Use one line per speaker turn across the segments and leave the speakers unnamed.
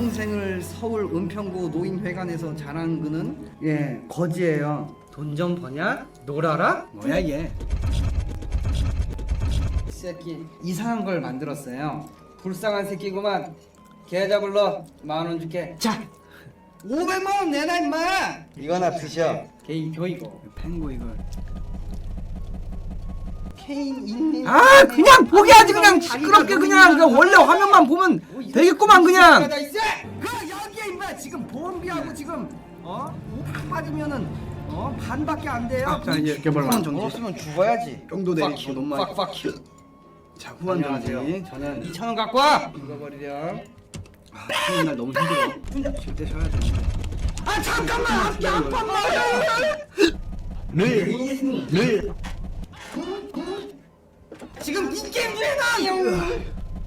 평생을 서울 은평구 노인회관에서 자란 그는 거지예요.
돈 좀 버냐? 놀아라?
뭐야 얘? 이 새끼 이상한 걸 만들었어요. 불쌍한 새끼구만. 계좌 불러 10,000원 줄게. 자 500만 원 내놔 임마.
이거나 드셔.
개이표 이거 pen고 이걸 케인 인민.
아 그냥 포기하지 그냥 시끄럽게 그냥 그 원래 화면만 보면 되겠구만 그냥.
그 여기에 임마 지금 보험비하고 지금 다 빠지면은 반밖에 안 돼요.
자 이제 이렇게 벌라.
없으면 죽어야지.
정도 내리고 너무 많이. 자 후원 정지. 저는 2,000원 갖고 와.
죽어버리렴. 쉬는 날 너무 힘들어. 쉴 때 쉬어야 돼.
아 잠깐만 잠깐만.
늘
지금 이 게임 왜나?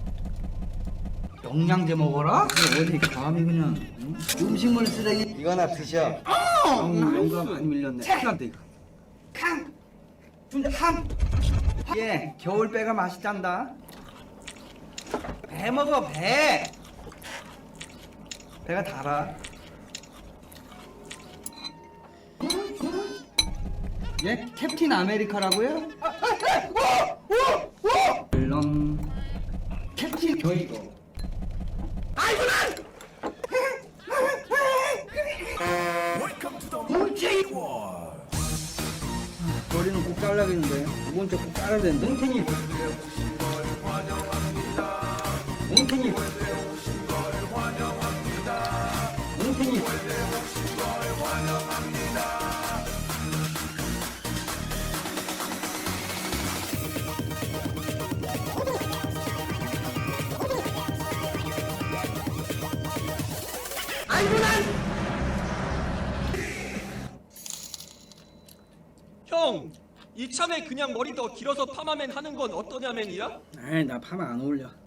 영양제 먹어라? 어디 감히 그냥 음식물 쓰레기.
이거나 드셔.
영감 많이 밀렸네. 큰일 났다 이거.
예, 겨울배가 맛있단다. 배 먹어 배. 배가 달아. 예, 캡틴 아메리카라고요? 물론 캡틴 교이고. 머리는 꼭 잘라야겠는데. 두 번째 꼭 잘라야 되는데. 뭉탱이. 뭉탱이. 뭉탱이.
형, 이참에 그냥 머리 더 길어서 파마맨 하는 건 어떠냐맨이야?
에이 나 파마 안 어울려.